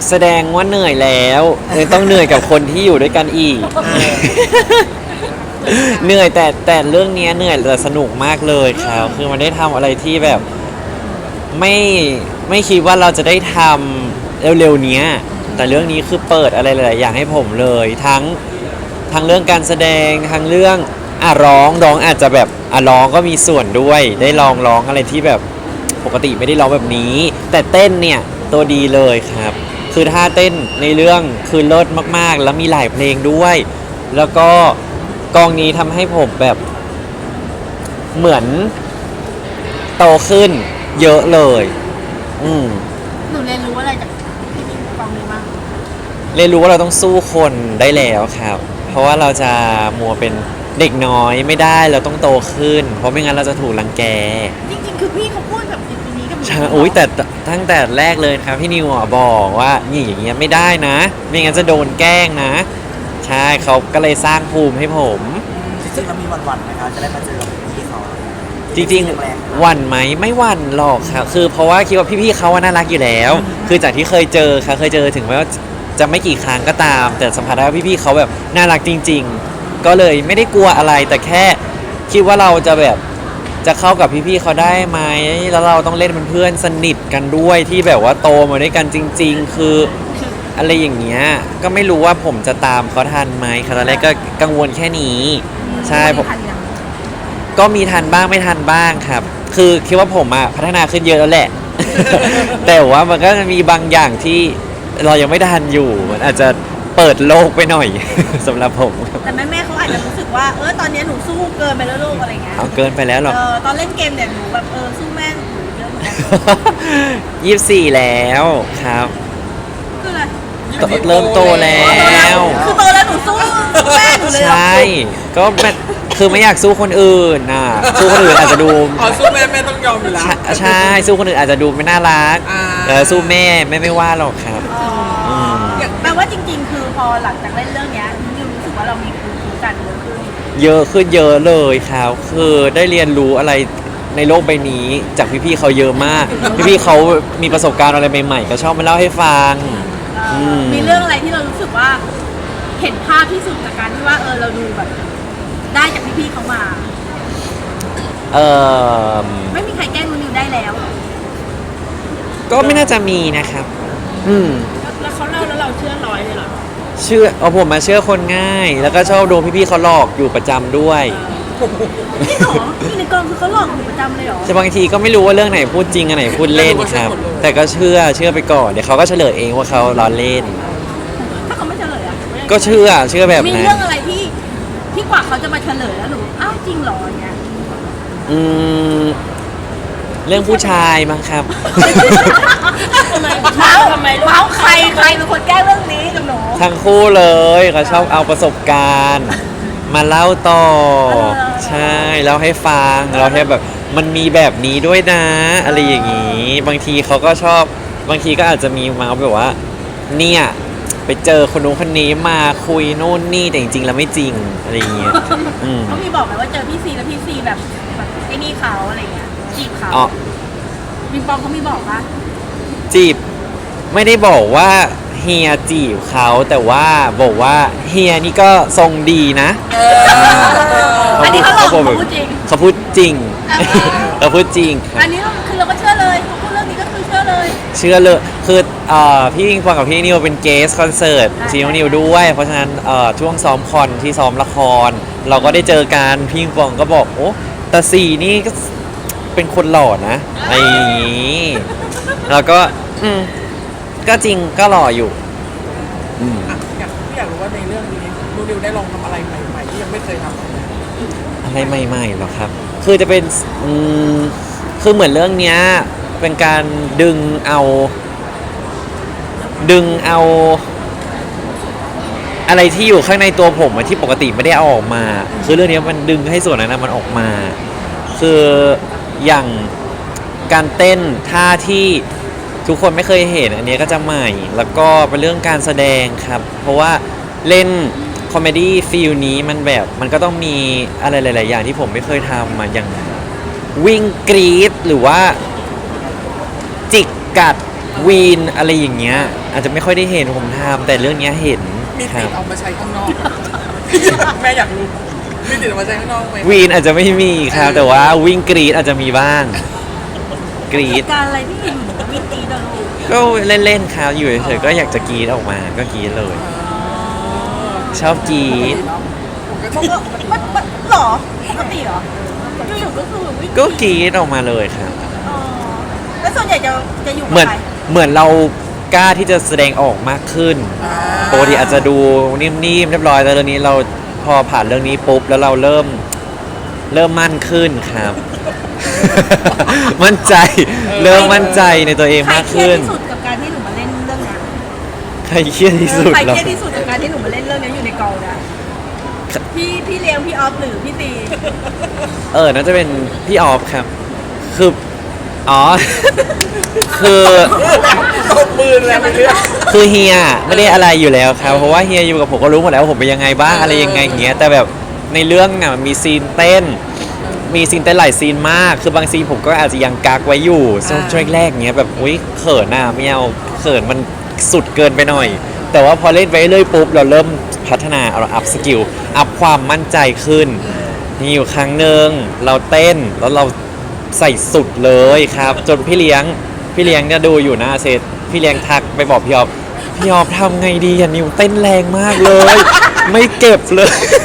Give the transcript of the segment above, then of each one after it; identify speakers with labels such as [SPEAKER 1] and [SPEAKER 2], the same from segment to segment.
[SPEAKER 1] แสดงว่าเหนื่อยแล้วเลยต้องเหนื่อยกับคนที่อยู่ด้วยกันอีก เหนื่อยแต่เรื่องนี้เหนื่อยแต่สนุกมากเลยครับคือมันได้ทำอะไรที่แบบไม่ไม่คิดว่าเราจะได้ทำเร็วๆเนี้ยแต่เรื่องนี้คือเปิดอะไรหลายๆอย่างให้ผมเลยทั้งเรื่องการแสดงทั้งเรื่องร้องอาจจะแบบร้องก็มีส่วนด้วยได้ลองร้องอะไรที่แบบปกติไม่ได้ร้องแบบนี้ แต่เต้นเนี่ยตัวดีเลยครับคือท่าเต้นในเรื่องคือเลิศมากๆแล้วมีหลายเพลงด้วย แล้วก็กองนี้ทำให้ผมแบบเหมือนโตขึ้นเยอะเลย
[SPEAKER 2] หนูเรียนรู้อะไรจากพี่มิ้งกองนี้บ้าง
[SPEAKER 1] เรียนรู้ว่าเราต้องสู้คนได้แล้วครับเพราะว่าเราจะมัวเป็นเด็กน้อยไม่ได้เราต้องโตขึ้นเพราะไม่งั้นเราจะถูกรังแก
[SPEAKER 2] จริงๆคือพี่เขาพูดแบบนี้กับหนู
[SPEAKER 1] ใช่อุ้ยแต่ตั้งแต่แรกเลยครับพี่นิวบอกว่านี่อย่างเงี้ยไม่ได้นะไม่งั้นจะโดนแกล้งนะใช่เขาก็เลยสร้างภูมิให้ผม
[SPEAKER 3] จริงๆเรามีวันๆนะครับจะได้มาเจอกับพี่เขา
[SPEAKER 1] จริงๆหวั่นไหมไม่หวั่นหรอกครับคือเพราะว่าคิดว่าพี่ๆเขาน่ารักอยู่แล้วคือจากที่เคยเจอครับเคยเจอถึงแม้ว่าจะไม่กี่ครั้งก็ตามแต่สัมผัสได้ว่าพี่ๆเขาแบบน่ารักจริงๆก็เลยไม่ได้กลัวอะไรแต่แค่คิดว่าเราจะแบบจะเข้ากับพี่ๆเขาได้ไหมแล้วเราต้องเล่นเป็นเพื่อนสนิทกันด้วยที่แบบว่าโตมาด้วยกันจริงๆคืออะไรอย่างเงี้ยก็ไม่รู้ว่าผมจะตามเขาทันไหมครับตอนแรกก็กังวลแค่นี้ใช่ผมก็มีทันบ้างไม่ทันบ้างครับคือคิดว่าผมพัฒนาขึ้นเยอะแล้วแหละ แต่ว่ามันก็จะมีบางอย่างที่เรายังไม่ทันอยู่มันอาจจะเปิดโลกไปหน่อย สำหรับผม
[SPEAKER 2] แต่แม่เขาอาจจะรู้สึกว่าตอนนี้หนูสู้เกินไปแล้วลูกอะไรเงี้ย
[SPEAKER 1] เอาเกินไปแล้วหรอ
[SPEAKER 2] ตอนเล่นเกมเนี่ยหนูแบบสู้แม่หนูเยอะเหมือนกัน
[SPEAKER 1] 24แล้วครับ
[SPEAKER 2] คืออะไร
[SPEAKER 1] เริ่มโตแล้ว
[SPEAKER 2] คือโตแล้วหนูสู้แม่หนูเลย
[SPEAKER 1] ใช่ก็คือไม่อยากสู้คนอื่นสู้คนอื่นอาจจะดู
[SPEAKER 3] สู้แม่ต้องยอมอยู่แล้ว
[SPEAKER 1] ใช่สู้คนอื่นอาจจะดูไม่น่ารักแต่สู้แม่ไม่ว่าหรอกครับ
[SPEAKER 2] แปลว่าจริงๆคือพอหลังจากเล่นเรื่องนี้นิวรู้สึกว่าเรามีภูมิคุ้มกัน
[SPEAKER 1] เยอะขึ้นเยอะเลยครับคือได้เรียนรู้อะไรในโลกใบนี้จากพี่ๆเขาเยอะมากพี่ๆเขามีประสบการณ์อะไรใหม่ๆก็ชอบมาเล่าให้ฟัง
[SPEAKER 2] มีเรื่องอะไรที่เรารู้สึกว่าเห็นภาพที่สุดจากการที่ว่าเราดูแบบได้จากพี่ๆเขามาไม่มีใครแกล้งนิวได้แล้ว
[SPEAKER 1] ก็ไม่น่าจะมีนะครับ
[SPEAKER 2] แล้วเขาเล่าแล้วเราเชื่อร้อยเลยเหรอ
[SPEAKER 1] เชื่อผมมาเชื่อคนง่ายแล้วก็ชอบโดนพี่ๆเขาหลอกอยู่ประจำด้วย
[SPEAKER 2] พี่หรอพี่ในกองคือเขาหลอกอยู่ประจำเลยเหรอ
[SPEAKER 1] แต่บางทีก็ไม่รู้ว่าเรื่องไหนพูดจริงอันไหนพูดเล่นครับแต่ก็เชื่อไปก่อนเดี๋ยวเขาก็เฉลยเองว่าเขาล้อเล่น
[SPEAKER 2] ถ้าเขาไม่เฉลย
[SPEAKER 1] ก็เชื่อแบบ
[SPEAKER 2] นั้นมีเรื่องอะไรที่กว่าเขาจะมาเฉลยแล้วหนูอ้าวจริงเหรอเนี่ย
[SPEAKER 1] เรื่องผู้ชายมั้งครับ
[SPEAKER 2] ทำไมเมาใครเป็นคนแก้เรื่องนี้กับหนู
[SPEAKER 1] ทั้งคู่เลยเขาชอบเอาประสบการณ์มาเล่าต่อใช่เล่าให้ฟังเราแค่แบบมันมีแบบนี้ด้วยนะอะไรอย่างนี้บางทีเขาก็ชอบบางทีก็อาจจะมีมาแบบว่าเนี่ยไปเจอคนนู้นคนนี้มาคุยโน่นนี่แต่จริงๆแล้วไม่จริงอะไรอย่างเงี้ย
[SPEAKER 2] เขามีบอกไหมว่าเจอพี่ซีแล้วพี่ซีแบบไอ้นี่เขาอะไรเงี้ยจีบเขาบิงปองเขามีบอกปะ
[SPEAKER 1] จีบไม่ได้บอกว่าเฮียจีบเขาแต่ว่าบอกว่าเฮียนี่ก็ทรงดีนะ
[SPEAKER 2] อันนี้เขาพูดจริง
[SPEAKER 1] เขาพูดจริงเขาพูดจริง
[SPEAKER 2] อันนี้คือเราก็เชื่อเลยเขาพูดเรื่องนี้ก็คือเชื่อเลย
[SPEAKER 1] คือพี่วิงฟองกับพี่นิวเป็นเกสคอนเสิร์ตซีโนนิวด้วยเพราะฉะนั้นช่วงซ้อมคอนที่ซ้อมละครเราก็ได้เจอกันพี่วิงฟองก็บอกโอ้แต่สีนี่ก็เป็นคนหล่อนะอะไรอย่างนี้แล้วก็ก็จริงก็หล่ออยู่
[SPEAKER 3] อยากรู้ว่าในเรื่องนี้นิวได้ลองทำอะไรใหม่ๆที่ยังไม่เคยทำ
[SPEAKER 1] อะไรใหม่ๆหรอครับคือจะเป็นคือเหมือนเรื่องเนี้ยเป็นการดึงเอาอะไรที่อยู่ข้างในตัวผมที่ปกติไม่ได้เอาออกมาคือเรื่องนี้มันดึงให้ส่วนนั้นมันออกมาคืออย่างการเต้นท่าที่ทุกคนไม่เคยเห็นอันนี้ก็จะใหม่แล้วก็เป็นเรื่องการแสดงครับเพราะว่าเล่นคอมเมดี้ฟีลนี้มันแบบมันก็ต้องมีอะไรหลายๆอย่างที่ผมไม่เคยทำอย่างวิ่งกรี๊ดหรือว่าจิกกัดวีนอะไรอย่างเงี้ย อาจจะไม่ค่อยได้เห็นผมทำแต่เรื่องเนี้ยเห็น
[SPEAKER 3] มี
[SPEAKER 1] ค
[SPEAKER 3] ติ
[SPEAKER 1] รั
[SPEAKER 3] ด
[SPEAKER 1] บ
[SPEAKER 3] เอามาใช้ข้างนอก แม่อยากรู้มีติดเอามาใช้ข้างนอกไหม
[SPEAKER 1] วีนอาจจะไม่มีครับแต่ว่าวิ่งกรีดอาจจะมีบ้าง กรีด
[SPEAKER 2] การอะไรที่อยู่กับวิตีดลูก
[SPEAKER 1] ก็เล่นๆครับอยู่เฉยๆก็อยากจะกรีดออกมาก็กรีดเลย ชอบกรีด
[SPEAKER 2] มันก็มันหรอปกติเหรออยู่ๆก็คือวิ่ง
[SPEAKER 1] ก็กรีดออกมาเลยครับ
[SPEAKER 2] อ๋อแล้วส่วนใหญ่จะอยู่กับ
[SPEAKER 1] เหมือน
[SPEAKER 2] ใคร
[SPEAKER 1] เหมือนเรากล้าที่จะแสดงออกมากขึ้นปกติอาจจะดูนิ่มๆเรียบร้อยแต่เรื่องนี้เราพอผ่านเรื่องนี้ปุ๊บแล้วเราเริ่มมั่นขึ้นครับ มั่นใจเริ่มมั่นใจในตัวเอง
[SPEAKER 2] ใคร
[SPEAKER 1] มาก
[SPEAKER 2] เครีย
[SPEAKER 1] ขึ้
[SPEAKER 2] ด
[SPEAKER 1] น
[SPEAKER 2] ที่สุดกับการที่หนูมาเล่นเรื่องนี้
[SPEAKER 1] ใครเครียดที่สุด
[SPEAKER 2] ใคร
[SPEAKER 1] เหรอ
[SPEAKER 2] เครียดที่สุดกับการที่หนูมาเล่นเรื่องนี้อยู่ในกองนะพี่เลี้ยงพี่ออฟหรือพี่ตี
[SPEAKER 1] น่าจะเป็นพี่ออฟครับ คืออ๋ อ คือ
[SPEAKER 3] ตบมือแล้วไปเรื่อย
[SPEAKER 1] คือเฮียไม่ได้อะไรอยู่แล้วครับเพราะว่าเฮียอยู่กับผมก็รู้หมดแล้วว่าผมเป็นยังไงบ้างอะไรยังไงอย่างเงี้ยแต่แบบในเรื่องน่ะมันมีซีนเต้น มีซีนเต้นหลายซีนมาก คือบางซีนผมก็อาจจะยังกักไว้อยู่ช่วงแรกๆเงี้ยแบบอุ้ยเขินน่ะไม่เอาเขินมันสุดเกินไปหน่อย แต่ว่าพอเล่นไปเรื่อยปุ๊บเราเริ่มพัฒนาเราอัพสกิลอัพความมั่นใจขึ้นมีอยู่ครั้งหนึ่งเราเต้นแล้วเราใส่สุดเลยครับ จนพี่เลี้ยงเนี่ยดูอยู่หน้าเซตพี่เลี้ยงทักไปบอกพี่ออฟทำไงดีอ่ะนิวเต้นแรงมากเลย ไม่เก็บเลย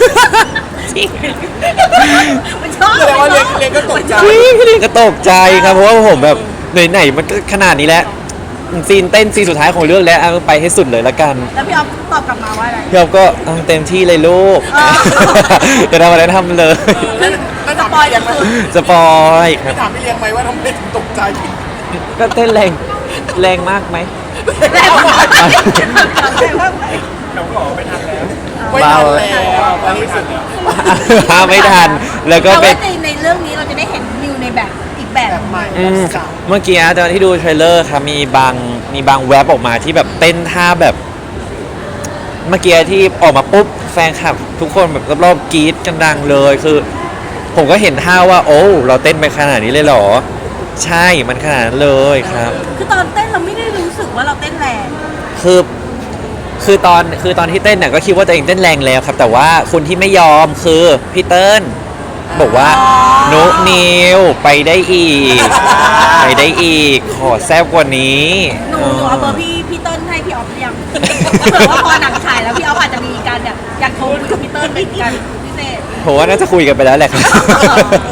[SPEAKER 2] มันชอบ
[SPEAKER 3] แสดงว่าเรียนก็ตกใจ
[SPEAKER 1] พี่เลี้ยงก็ตกใจครับเพราะว่าผมแบบไหนๆมันก็ขนาดนี้แล้วซีนเต้นซีนสุดท้ายของเรื่องแล้วเอาไปให้สุดเลยละกัน
[SPEAKER 2] แล้วพี่ออฟตอบกลับมาว่าอะไร
[SPEAKER 1] พี่ออฟก็เอาเต็มที่เลยลูก
[SPEAKER 2] อ๋อ
[SPEAKER 1] จะทำอะไรทำเลย
[SPEAKER 3] แล้วถาม
[SPEAKER 2] สปอย
[SPEAKER 3] พี่เลี้ยงไหม
[SPEAKER 1] สปอยค
[SPEAKER 3] ไม่
[SPEAKER 1] รับ
[SPEAKER 3] ถามพี่เลี้ยงไหมว่าทำไมถึงตกใจ
[SPEAKER 1] ก็เต้นแรงมากไหม
[SPEAKER 2] แรงมากแรงมาก
[SPEAKER 3] ไม่ทันแล้ว
[SPEAKER 1] เบา
[SPEAKER 3] ตอนนี้สุดแล้ว
[SPEAKER 1] ห้ามไม่ทัน แล้วก็
[SPEAKER 2] แต่
[SPEAKER 1] เป็
[SPEAKER 2] ว่าน ในเรื่องนี้เราจะได้เห็นนิวในแบบอีกแบบ
[SPEAKER 3] แบบใหม่
[SPEAKER 1] อืม
[SPEAKER 3] สาว
[SPEAKER 1] เมื่อกี้ตอนที่ดูเทรลเลอร์ครับมีบางแว็บออกมาที่แบบเต้นท่าแบบ เมื่อกี้ที่ออกมาปุ๊บแฟนคลับ ทุกคนแบบรอบๆกรี๊ดกันดังเลยคือ ผมก็เห็นท่าว่า โอ้เราเต้นไปขนาดนี้เลยเหรอ ใช่มันขนาดนั้นเลยครับ
[SPEAKER 2] คือตอนเต้นเราไม่ได้รู้สึกว่าเราเต้นแรง
[SPEAKER 1] คือตอนที่เต้นเนี่ยก็คิดว่าตัวเองเต้นแรงแล้วครับ แต่ว่าคนที่ไม่ยอมคือพี่เติ้ลบอกว่านุนิวไปได้อีก ไปได้อีก ขอแซบกว่านี้
[SPEAKER 2] หนูเอาเบอร์พี่เติ้ลให้พี่ออฟหรือยังเผื่อว่าพอหนังฉายแล้วพี่ออฟอาจจะมีการแบบอยากโทรคุยกับพี่เติ้ลเป็นการพิเศษ
[SPEAKER 1] ผมว่าน่าจะคุยกันไปแล้วแหละครับ